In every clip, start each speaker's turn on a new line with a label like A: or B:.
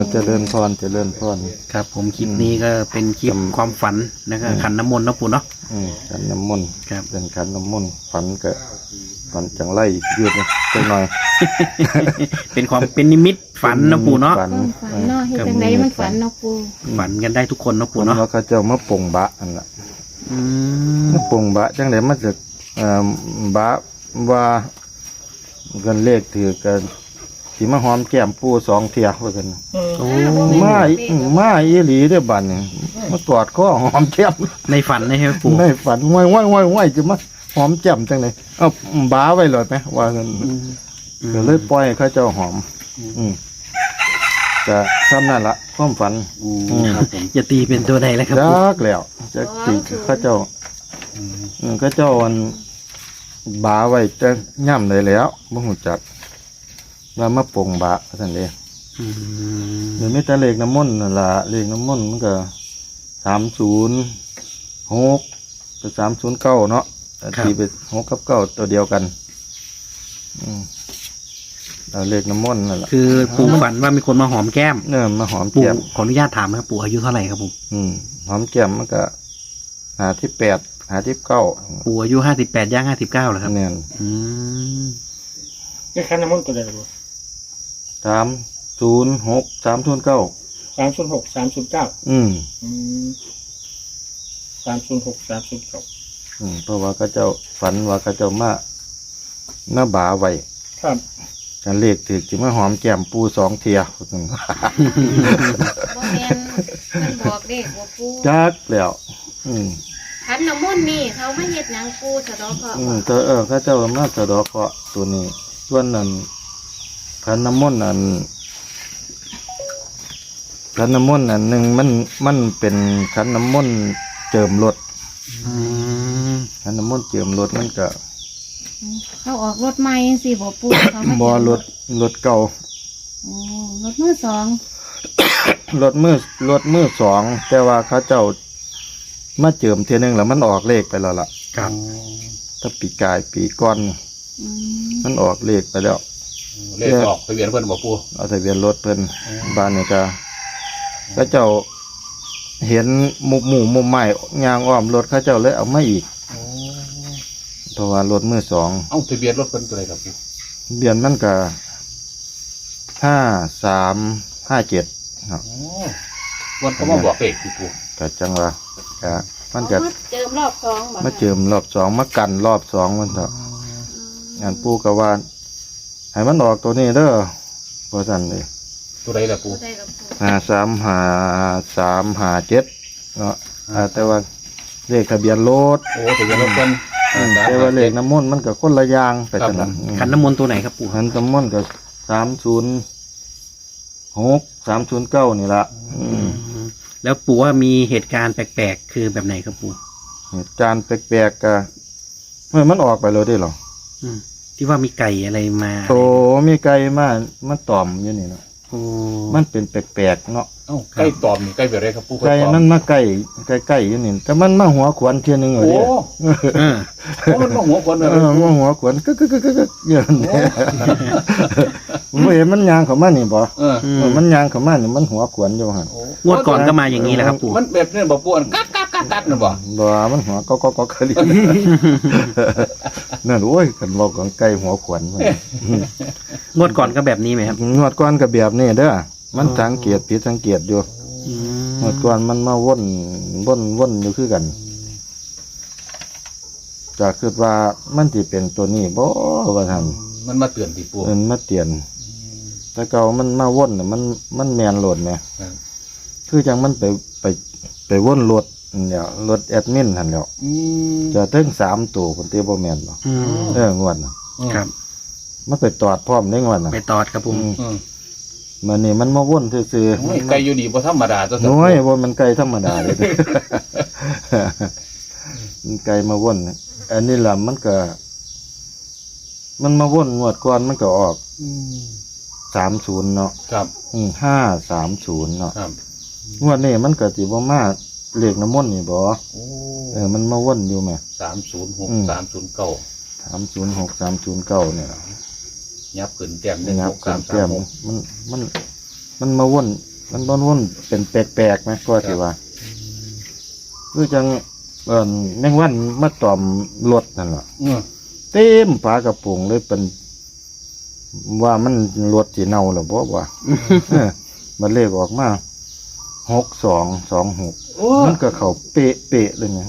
A: เจริญพรเจริญพร
B: ครับผมคลิปนี้ก็เป็นคลิปความฝันนะครับขันน้ำมนต์นะปู่เนาะ
A: ขันน้ำมนต์
B: ครับ
A: เป็นขันน้ำมนต์ฝันก็ฝันจังไรยืดจังหน่อย
B: เป็นนิมิตฝันนะปู่เนาะ
A: ฝัน
C: ฝันเนาะเฮ็ดจังไดมันฝันเนาะปู่
B: ฝันกันได้ทุกคนนะปู่
A: ฝัน
B: เนาะ
A: ว่าเขาเจ้ามาปลงบะอันละ
B: อืม
A: มาปลงบะจังไดมาจากบะว่ากันเลขถือกันที่มาหอมแก้มปู2 เที่ยว่ากัน
B: โอ้
A: มาอีหลีเด้อบัดนี่มากอดข้อหอมแก้ม
B: ในฝันนะใช่ไหมปู่
A: ในฝันว่ายจะมาหอมแจ่มจังเลยเอาบ้าไว้เลยไหมว่าเงินก็เลยปล่อยให้เขาเจ้าหอมจะซ้ำนั่นละความฝัน
B: ครับผมจะตีเป็นตัวใดแล้วครับ
A: จั
B: ปู่
A: กแล้วจะตีเขาเจ้าเขาเจ้าวันบ้าไว้จะย่ำเลยแล้วบ่หูจักว่ามาปลงบ้าท่านเอง
B: อืม
A: หรือไม่แต่เลขน้ำมนต์นั่นละเลขน้ำมนต์มันก็306กับ309เนาะตีไป6 กับ 9ตัวเดียวกันเลขน้ำมนต์นั่นแหละ
B: คือปู่ฝันว่ามีคนมาหอมแก้ม
A: เนี่ยมาหอม
B: ปู่
A: แก้ม
B: ขออนุญาตถามนะครับปู่อายุเท่าไหร่ครับผม
A: หอมแก้มมันก็58 59
B: ปู่อายุ58ย่าง59เหรอครับ
A: เนี่ย
B: อืม
D: นี่คันน้ำมันตัวใดล่ะ
A: 306 309
D: 306 309 306 309
A: เพราะว่าเขาเจ้าฝันว่าเขาเจ้ามาบ่าไว้
D: ครับ
A: กันเลขถือจิมาหอมแก้มปู2 เที่ย
C: บ่แม่นมันบอกเด็กบ่ปู่
A: จักแล้ว
C: ขันน้ำมนต์นี่เขามาเฮ็ดหยังปู่สะดอกเคราะห์บ่
A: แต่เขาเจ้ามาสะดอกเคราะห์ตัวนี้ส่วนนั้นขันน้ำมนต์อันขันน้ำมนต์อันหนึ่งมันเป็นขันน้ำมนต์เจิมรถ
B: อืม
A: ขันน้ำมนต์เจิมรถมันก็
C: เขาออกรถใหม่จังซี่บ่ปู่เขามา
A: บ่รถเก่า
C: โอ้รถมือสอง
A: รถมือสองแต่ว่าเขาเจ้ามาเจิมเทียหนึงแล้วมันออกเลขไปแล้วล่ะ
B: ครับ
A: ถ้าปีกายปีก้อน
C: อืม
A: มันออกเลขไปแล้ว
E: เลขออกทะเบียนเพิ่นบ่ปู่
A: เอาทะเบียนรถเพิ่นบ้านนี่ก็เขาเจ้าเห็นมุมใหม่ยางอ้อมรถเขาเจ้าเลยเอามาอีกเพราะว่ารถมือสอง
E: เอ้าทะเบียนรถเพิ่นตัวใดครับปู่
A: เบียนมันก็5357ครับ
E: อ๋อวันเขามาบอกเลขที่ปู่
A: ก็จังว่าก็มันก็
C: เอามาเจิมรอบสองบ่
A: มาเจิมรอบสองมากันรอบสองมันเถอะงานปู่ก็ว่าให้มันออกตัวนี้เด้อเพราะสั่นเลย
E: ตัวใดล่ะปู่
C: ได้กับปู่
A: 5357เนาะแต่ว่าเลขทะเบียนรถ
E: โอ้ทะเบียนรถเพิ่น
A: แต่ว่าเลขน้ำมนต์มันก็คนละอย่างไปจังนั้น
B: ขันน้ำมนต์ตัวไหนครับปู่
A: ขันน้ำมนต์ก็306 309นี่ละ
B: แล้วปู่ว่ามีเหตุการณ์แปลกๆคือแบบไหนครับปู่
A: เหตุการณ์แปลกๆก็มันออกไปเลยได้หรอ
B: อืมที่ว่ามีไก่อะไรมา
A: โตมีไก่มาตอมอยู่นี่เนาะ
B: โอ้
A: มันเป็นแปลกๆเนาะ
E: เอ้าใกล้ตอมนี่ใกล้แบบไรครับปู่
A: ไก่
E: ตอ
A: มันมาใกล้อยู่นี่แต่มันมาหัวขวานเทียนึง
E: โอ้
A: เลย
B: เออ
E: โอ้มันมาหัวคนเลย
A: มาหัวขวานกึกอย่างนี้เห็นมันยางเข้ามานี่บ่ มันยางเข้ามานี่มันหัวขวานอยู่หั่น
B: งวดก่อนก็มาอย่างนี้แหละครับปู่
E: มันแบบนี้บ่ปู่อันกัดนั่นบ่
A: บ่มันหัวก็คลินั่นโอ้ยกันบอกของไก่หัวขวานมัน
B: งวดก่อนก็แบบนี้ไหมครับ
A: งวดก่อนก็แบบนี้เด้อมันสังเกตผิดสังเกตอยู่
B: อืม
A: งวดก่อนมันมาวนอยู่คือกันจะคิดว่ามันสิเป็นตัวนี้บ่ว่าซั่น
E: มันมาเตือนที่ปู่
A: มันมาเตียนแต่เก่ามันมาวนน่ะมันแมนโหลดแหมคือจังมันไปวนรถเนี่ยรถแอดมินหั่นแหล้วจะถึง3ตัวคนที่บ่แม่นบ่
B: อืม
A: งวดน่ะ
B: ครับ
A: มันไปตอดพร้อมได้งวดน่ะ
B: ไปตอดครับผม
A: มันนี่มันมาวนซื่อ
E: โอ้ยไก่อยู่นี่บ่ธรรมดาตัว
A: ๆน้อยบ่มันไก่ธรรมดาเลย มันไก่มาวนอันนี้ล่ะมันก็มันมาวนงวดก่อนมันก็ออก30เนาะ
E: ครับ
A: 530เนาะ
E: ครับ
A: งวดนี้มันก็สิบ่มาเลขน้ำมนต์นี่บ่
E: โอ้
A: มันมาวนอยู่แหม
E: 306 309
A: 306 309เนี่ย
E: ยับขึ้นแต้ม
A: งับ
E: 1 6
A: กันแต้ม
E: 3 3 6
A: มันมาวนมันวนๆเป็นแปลกๆไหมก็สิว่าคือจังแมงวันมาตอมรถนั่นแหละ เต็มฝากระโปรงเลยเป็นว่ามันรถสีเน่าหรือบ่ว่ามันเลขออกมา6226มันก็เข้าเป๊ะๆเลยไง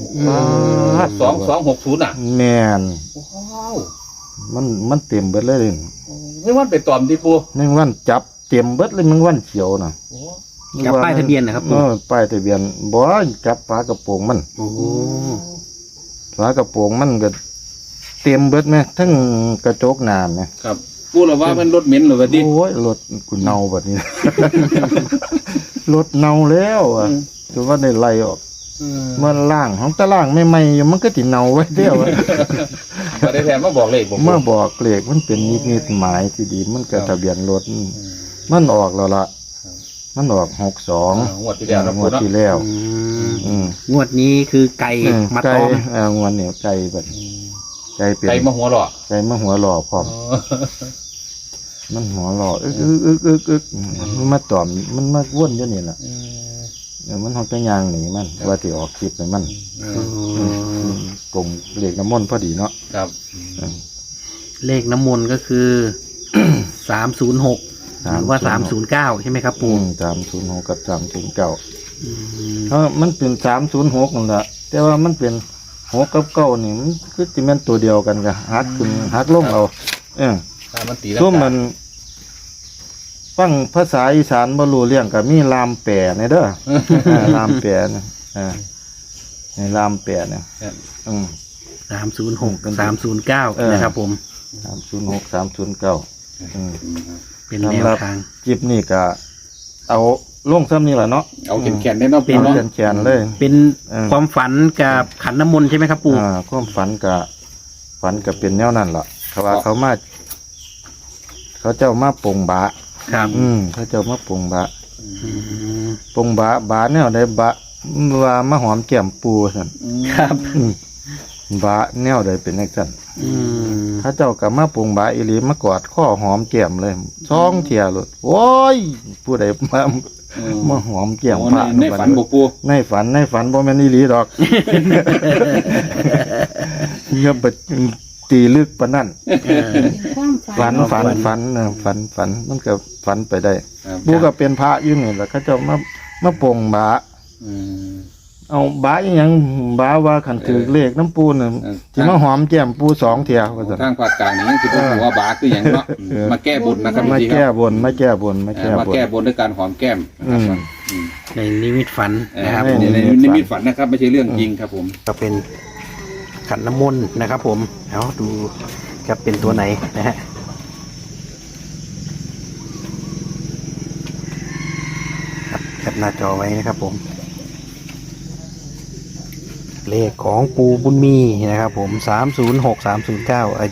E: 2260น่ะ
A: แม่น
E: ว้าว
A: มันเต็มเบิดเลยนี่
E: ไม่ว่าไปตอมที่ปู
A: แมงวันจับเต็มเบิดเลยแมงวันเขียวน่ะ
B: กับป้ายทะเบียนนะครับปู่
A: ป้ายทะเบียนบ่จับฝากระโปรงมัน
B: โอ้
A: ฝากระโปรงมันก็เต็มเบิดไหมทั้งกระจกหน้าไหม
E: ครับปูเราว่ามันรถเหม็นเหรอวะดิ
A: โอ้ยรถกูเน่าแบบนี้ รถเน่าแล้วอ่ะถือว่าได้ไล่ออกมันล่างของตะล่างไม่อยู่มันก็ติเน่าไว้เดียวอะ
E: มาได้แทนมาบอกเลขผม
A: เมื่อบอกเลขมันเป็นนิดหมายที่ดีมันก็ทะเบียนรถมันออกแล้วล่ะมันออก62
E: งวดที่แล้วนะ
A: ง
E: ปู
A: วด
E: เนาะ
A: ที่แล้ว
B: อืมงวดนี้คือไก่มา
A: ไก่
B: ตอม
A: งวดเนี่ยไก่แบบไก่เป็น
E: ไก่มาหัวหล่อ
A: ไก่มาหัวหล่อพร้อม มันหัวหล่ออึกมันมาตอมมันมาว่นอยู่นี่แหละมันหอกจะยางหนีมันว่าที่ออกคลิปไปมันกงเหล็กน้ำมนต์พอดีเนาะ
E: ครับ
B: เลขน้ำมนต์ก็คือ 306หรือว่า309ใช่ไหมครับปู่
A: 306กับ309เพราะมันเป็น306นั่นแหละแต่ว่ามันเป็น6กับ9นี่มันคือสิแม่นตัวเดียวกันกับหักขึ้นหักลงเอา
E: ถ้ามันตี
A: ช่วงมันฟังภาษาอีสานบ่รู้เรื่องก็มีลามแปรในเด้อ ลามแปรนะในลามแปรเนี่ย
B: 306กับ309นะครับผม
A: 306 309
B: เป็นแนวทาง
A: จิบนี่ก็เอาลงซ้ำนี่แหละเนาะ
E: เอาแขนได้เนาะปู
A: เอา
E: เนาะ
A: แขนๆเลย
B: เป็นความฝันกับขันน้ำมนต์ใช่ไหมครับปู่
A: ความฝันก็เป็นแนวนั้นล่ะเขาว่าเขาเจ้ามาปงบะ
B: ครับ
A: เขาเจ้ามาปงบะปงบะแนวใดบะว่ามาหอมแก้มปูซั่น
B: ครับ
A: บะแนวใดเป็นจังซั่นเขาเจ้าก็มาปงบะอีหลีมากอดข้อหอมแก้มเลย2เที่ยโลดโอ้ยผู้ใดมาหอมแก้มพระ
E: ในฝันบอกปู
A: ในฝันบ่แม่นอีหลีดอกอย่าไปตีลึกปานนั้น
C: ความฝัน
A: ฝันมันก็ฝันไปได้ปูก็เป็นพระอยู่นี่แหละเขาเจ้ามาปงบาเอาบาอีหยังบาว่าคันถือเลขน้ำปูน่ะสิมาหอมแก้มปู2เที่ยว่าซั่น
E: ทางภาคกลางนี่คือผมบอกว่าบาคืออย่างเนาะมาแก้บนนะครับ
A: มา
E: พี่ค
A: แก้
E: รับบ
A: นมาแก้บน
E: มาแก้บนด้วยการหอมแก้มนะครับ
B: ในนิมิตฝันนะครับ
E: ในนิมิตฝันนะครับไม่ใช่เรื่องจริงครับผม
B: ก็เป็นขันน้ำมนต์นะครับผมเอาดูจะเป็นตัวไหนนะฮะแคปหน้าจอไว้นะครับผม เลขของปูบุญมีนะครับผม306 309